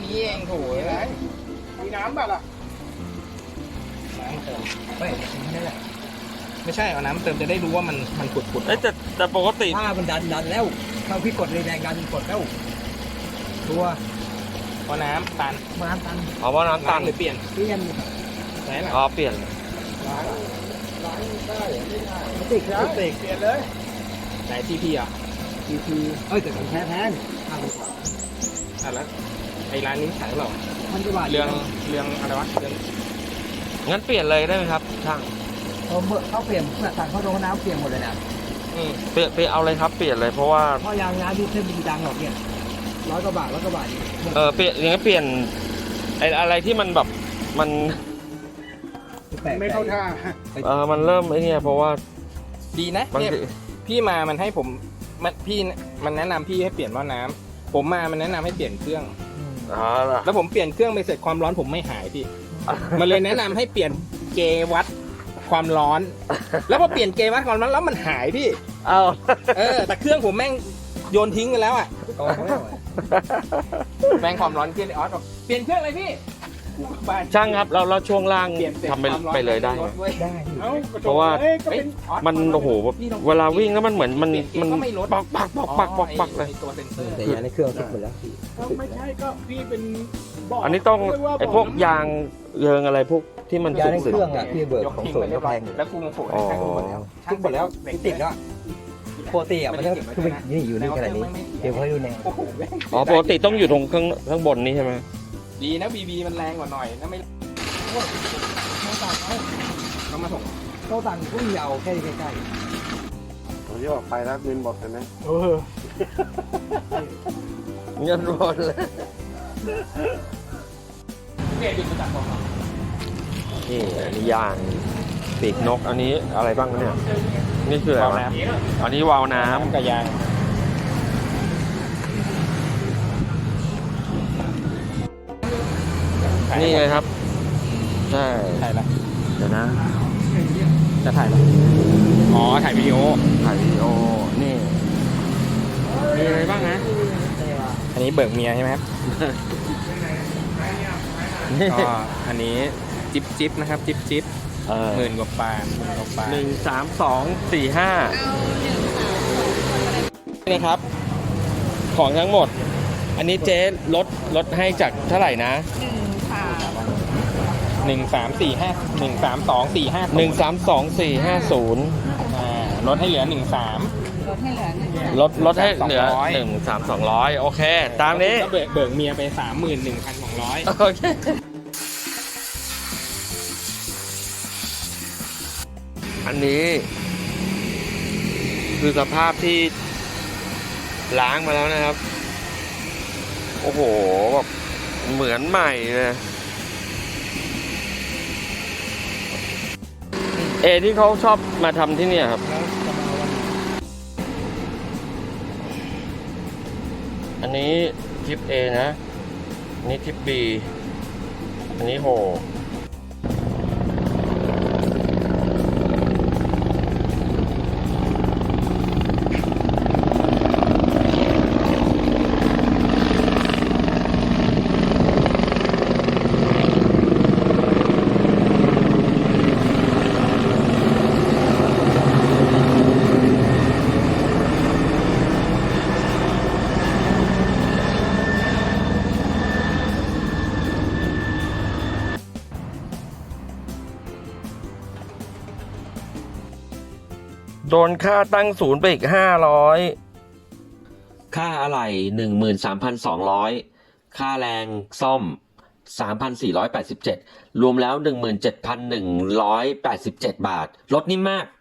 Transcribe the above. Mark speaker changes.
Speaker 1: มีเองโถ่เอ้ย
Speaker 2: มีน้ำแบบล่ะ
Speaker 1: น้ำเติมไม่นี่แหละไม่ใช่เอาน้ำเติมจะได้รู้ว่ามันขุดๆ
Speaker 3: เอ้ยแต่ปกติ
Speaker 4: ถ้ามันดันแล้วถ้าพี่กดเลยแรงดันกดแล้วตัว
Speaker 1: เพราะน้ำตัน
Speaker 4: มาตัน
Speaker 3: เอาว่าน้ำตัน
Speaker 1: หรือเปลี่ยน
Speaker 4: เปลี่ยน
Speaker 1: ไหนล่ะ
Speaker 3: อ๋อเปลี่ยน
Speaker 2: ล้างได้หรือไม่ได้
Speaker 4: ติดแล้ว
Speaker 2: เปลี่ยนเลย
Speaker 1: ไหนที่พี่อ่ะ
Speaker 4: ทีเอ้ยแต่ของแท้50 กว่า
Speaker 1: อ่ะแล้วไอ้ร้านนี้ขายเปล่า
Speaker 4: พันกว่าบาท
Speaker 1: เรื่องอะไรวะเรื่อง
Speaker 3: งั้นเปลี่ยนเลยได้ไหมครับช่าง
Speaker 4: เขาเปลี่ยนสั่งเขาโดนน้ำเปลี่ยนหมดเลยนะ
Speaker 3: เปลี่ยนเอาเลยครับเปลี่ยนเลยเพราะว่า
Speaker 4: เพราะยางน้ำที่เส้นมีดังหรอกเนี่ย100 กว่าบาท
Speaker 3: เปลี่ยนอย่างนั้นเปลี่ยนอะไรที่มันแบบมัน
Speaker 4: แปลก
Speaker 2: ไม่เข้าท่า
Speaker 3: มันเริ่มไอ้เนี่ยเพราะว่า
Speaker 1: ดีนะ
Speaker 3: บาง
Speaker 1: เนี่ย
Speaker 3: ที
Speaker 1: พี่มามันให้ผมมันแนะนำพี่ให้เปลี่ยนหม้อน้ำผมมามันแนะนำให้เปลี่ยนเครื่อง
Speaker 3: อ๋อเหรอ
Speaker 1: แล้วผมเปลี่ยนเครื่องไปเสร็จความร้อนผมไม่หายพี่ มันเลยแนะนำให้เปลี่ยนเกวัดความร้อน แล้วพอเปลี่ยนเกวัดความร้อนแล้วมันหายพี่
Speaker 3: เอา
Speaker 1: แต่เครื่องผมแม่งโยนทิ้งไปแล้วอ่ะ
Speaker 4: กองไม่ไหว
Speaker 1: แม่งความร้อนเครื่องไอออสบอกเปลี่ยนเครื่องเลยพี่บ้าน
Speaker 3: ช่างครับเราช่วงล่าง
Speaker 1: เปลี่ยนเสร็จ
Speaker 3: ทำไป
Speaker 1: ความร้อน
Speaker 3: ไปเลยได้ไหม
Speaker 4: ได้
Speaker 2: เอ้า
Speaker 3: เพราะว่า
Speaker 2: ก็เป็น
Speaker 3: มันโอ้โหแบบเวลาวิ่งแล้วมันเหมือนมันปักเลย
Speaker 1: ไอ้ตัวเซนเซอร์
Speaker 4: แต่ยางในเครื่องติดหมดแล้ว
Speaker 2: ไม่ใช่ก็พี่เป็นบอก
Speaker 3: อันนี้ต้องไอ้พวกยางเยิงอะไรพวกที่มัน
Speaker 4: ยางใน
Speaker 3: สึก
Speaker 4: เครื่องอ่ะพี่เบิร์
Speaker 1: ยก
Speaker 4: ของ
Speaker 1: ทิ้ง
Speaker 4: สว
Speaker 1: ไป
Speaker 4: น
Speaker 1: เรี
Speaker 4: ก็
Speaker 1: ยบร้
Speaker 4: แพ
Speaker 1: อย
Speaker 4: งอยู่
Speaker 1: แล้วกูโผล่
Speaker 3: อ๋อ
Speaker 1: ให้หมดแล้ว
Speaker 4: ทุกหมดแล้วติดแล้วปกติอ่ะมันต้องคือนี่อยู่นี่ขนาดนี้เดี๋ยวให้ดูแนว
Speaker 1: โอ้โหแม่ง
Speaker 3: อ๋อปกติต้องอยู่ตรงข้างบนนี้ใช่ไหม
Speaker 1: ดีนะบีมันแรงกว่าหน่อยถ้าไม่เขามาส่ง
Speaker 4: โต๊ะตังก็มีเอาแค่ใกล้
Speaker 2: ผมจะออกไปแล้วเงินหมดเลยนะ
Speaker 3: เงินหมดเลย
Speaker 1: เกดหยุดมาจากกองเรา
Speaker 3: นี่อันนี้ยางปีกนกอันนี้อะไรบ้างเนี่ยนี่คืออะไรวะอันนี้วาล์วน้ำ
Speaker 1: กับยาง
Speaker 3: นี่ไงครับใช่
Speaker 1: ถ่ายอะไร
Speaker 3: เดี๋ยวนะ
Speaker 1: จะถ่ายอะไรอ๋อถ่ายวิดีโอ
Speaker 3: ถ่ายวิดีโอนี่มีอะไรบ้างนะ
Speaker 1: อันนี้เบิกเมียใช่ไหมครับ
Speaker 3: นี่
Speaker 1: ก็อันนี้จิ๊บนะครับจิ๊บหมื่นกว่าบาท
Speaker 3: 1 3 2 4 5นี่ครับ ของทั้งหมด อันนี้เจ๊ลดให้จากเท่าไหร่นะ
Speaker 1: 134513245
Speaker 3: 132 450
Speaker 1: ลดให้เหลือ13
Speaker 3: ลดให้เหลือ 13200โอเค ตามนี้
Speaker 1: ก็เบิกเมียไป 31,200
Speaker 3: โอเคอันนี้ คือสภาพที่ล้างมาแล้วนะครับ โอ้โหแบบเหมือนใหม่เลยที่เขาชอบมาทำที่เนี่ยครับ อันนี้ทิป A นะอันนี้ทิป B อันนี้โหโดนค่าตั้งศูนย์ไปอีก500ค่าอะไหล่ 13,200 ค่าแรงซ่อม 3,487 รวมแล้ว 17,187 บาท ลดนี่มาก